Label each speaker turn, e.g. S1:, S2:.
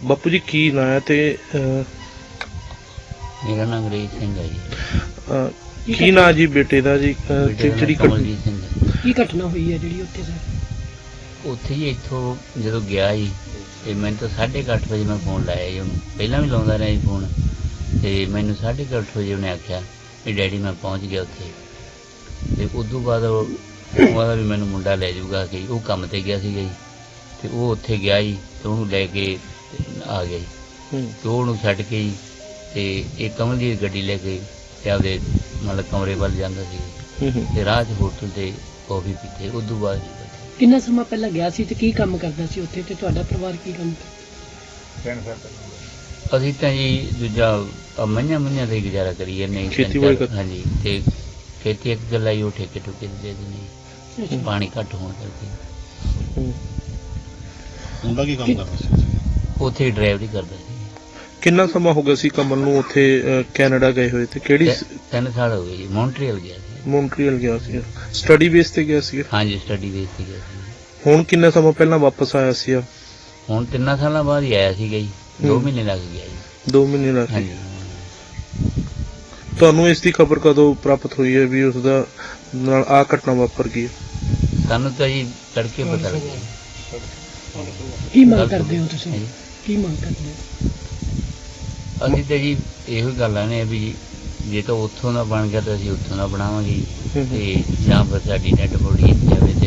S1: ਬਾਪੂ ਜੀ ਕੀ ਨਾਂ ਹੈ ਤੇ
S2: ਮੇਰਾ ਨਾਮ ਅੰਗਰੇਜ਼ ਸਿੰਘ ਹੈ ਜੀ।
S1: ਕੀ ਨਾਂ ਜੀ ਬੇਟੇ ਦਾ ਜੀ
S2: ਬੇਟੇ ਦਾ
S1: ਜਿਹੜੀ
S2: ਨਾਂ ਕਮਲਜੀਤ ਸਿੰਘ ਹੈ।
S3: ਕੀ ਘਟਨਾ ਹੋਈ ਹੈ ਜਿਹੜੀ ਉੱਥੇ ਸਰ?
S2: ਉੱਥੇ ਹੀ ਇੱਥੋਂ ਜਦੋਂ ਗਿਆ ਜੀ ਤੇ ਮੈਨੂੰ ਤਾਂ 8:30 ਵਜੇ ਮੈਂ ਫੋਨ ਲਾਇਆ ਜੀ ਉਹਨੂੰ, ਪਹਿਲਾਂ ਵੀ ਲਾਉਂਦਾ ਰਿਹਾ ਜੀ ਫੋਨ, ਤੇ ਮੈਨੂੰ 8:30 ਵਜੇ ਉਹਨੇ ਆਖਿਆ ਵੀ ਡੈਡੀ ਮੈਂ ਪਹੁੰਚ ਗਿਆ ਉੱਥੇ। ਤੇ ਉਦੋਂ ਬਾਅਦ ਉਹਦਾ ਵੀ ਮੈਨੂੰ ਮੁੰਡਾ ਲੈ ਜਾਊਗਾ ਕਿ ਉਹ ਕੰਮ ਤੇ ਗਿਆ ਸੀਗਾ ਜੀ, ਤੇ ਉਹ ਉੱਥੇ ਗਿਆ ਜੀ ਤੇ ਉਹਨੂੰ ਲੈ ਕੇ ਆ ਗਿਆ ਜੀ, ਤੇ ਉਹਨੂੰ ਛੱਡ ਕੇ ਜੀ ਤੇ ਇਹ ਕਮਲ ਦੀ ਗੱਡੀ ਲੈ ਕੇ ਤੇ ਆਪਦੇ ਮਤਲਬ ਕਮਰੇ ਵੱਲ ਜਾਂਦਾ ਸੀ ਤੇ ਰਾਹ 'ਚ ਹੋਟਲ ਤੇ ਕੌਫੀ ਪੀਤੇ। ਉਦੋਂ ਬਾਅਦ
S3: ਕਿੰਨਾ ਸਮਾਂ ਪਹਿਲਾਂ ਗਿਆ ਸੀ ਤੇ ਕੀ ਕੰਮ ਕਰਦਾ ਸੀ ਉੱਥੇ, ਤੇ ਤੁਹਾਡਾ ਪਰਿਵਾਰ ਕੀ ਕੰਮ ਕਰਦਾ?
S2: ਅਸੀਂ ਤਾਂ ਜੀ ਦੂਜਾ ਮਈਆਂ ਤੇ ਗੁਜ਼ਾਰਾ ਕਰੀ ਜਾਂਦੇ
S1: ਖੇਤੀਬਾੜੀ ਕਰ-
S2: ਹਾਂਜੀ, ਤੇ ਖੇਤੀ ਇੱਕ ਗੱਲ ਆਈ ਉਹ ਠੇਕੇ ਠੁਕੇ ਦੇ ਦਿੰਦੇ ਪਾਣੀ ਘੱਟ ਹੋਣ ਕਰਕੇ।
S4: ਮੁੰਡਾ ਕੀ ਕੰਮ ਕਰਦਾ ਸੀ?
S2: ਉੱਥੇ ਡਰਾਈਵਰੀ ਕਰਦਾ ਸੀ।
S1: ਕਿੰਨਾ ਸਮਾਂ ਹੋ ਗਿਆ ਸੀ ਕਮਲ ਨੂੰ ਉੱਥੇ ਕੈਨੇਡਾ ਗਏ ਹੋਏ ਤੇ ਕਿਹੜੀ
S2: 3 ਸਾਲ ਹੋ ਗਏ ਜੀ। ਮੌਂਟਰੀਅਲ ਗਿਆ ਸੀ।
S1: ਮੌਂਟਰੀਅਲ ਗਿਆ ਸੀ, ਸਟੱਡੀ ਬੇਸ ਤੇ ਗਿਆ ਸੀ?
S2: ਹਾਂਜੀ, ਸਟੱਡੀ ਬੇਸ ਤੇ ਗਿਆ ਸੀ।
S1: ਹੁਣ ਕਿੰਨਾ ਸਮਾਂ ਪਹਿਲਾਂ ਵਾਪਸ ਆਇਆ ਸੀ?
S2: ਹੁਣ 3 ਸਾਲਾਂ ਬਾਅਦ ਹੀ ਆਇਆ ਸੀਗਾ ਜੀ। 2 ਮਹੀਨੇ ਲੱਗ ਗਿਆ ਜੀ।
S1: 2 ਮਹੀਨੇ ਲੱਗ ਗਏ।
S2: ਹਾਂਜੀ।
S1: ਤੁਹਾਨੂੰ ਇਸ ਦੀ ਖਬਰ ਕਦੋਂ ਪ੍ਰਾਪਤ ਹੋਈ ਹੈ ਵੀ ਉਸ ਦਾ ਨਾਲ ਆ ਘਟਨਾ ਵਾਪਰ ਗਈ?
S2: ਸਾਨੂੰ ਤਾਂ ਜੀ ਤੜਕੇ ਪਤਾ ਲੱਗਿਆ।
S3: ਕੀ ਮੰਗ ਕਰਦੇ ਹੋ ਤੁਸੀਂ?
S2: ਹਾਂਜੀ।
S3: ਕੀ ਮੰਗ ਕਰਦੇ ਹੋ?
S2: ਅਸੀਂ ਤਾਂ ਜੀ ਇਹੋ ਹੀ ਗੱਲਾਂ ਨੇ ਵੀ ਜੇ ਤਾਂ ਉੱਥੋਂ ਦਾ ਬਣ ਗਿਆ ਤਾਂ ਅਸੀਂ ਉੱਥੋਂ ਦਾ ਬਣਾਵਾਂਗੇ ਜੀ, ਤੇ ਜਾਂ ਫਿਰ ਸਾਡੀ ਡੈਡ ਬੋਡੀ ਇੱਥੇ ਆਵੇ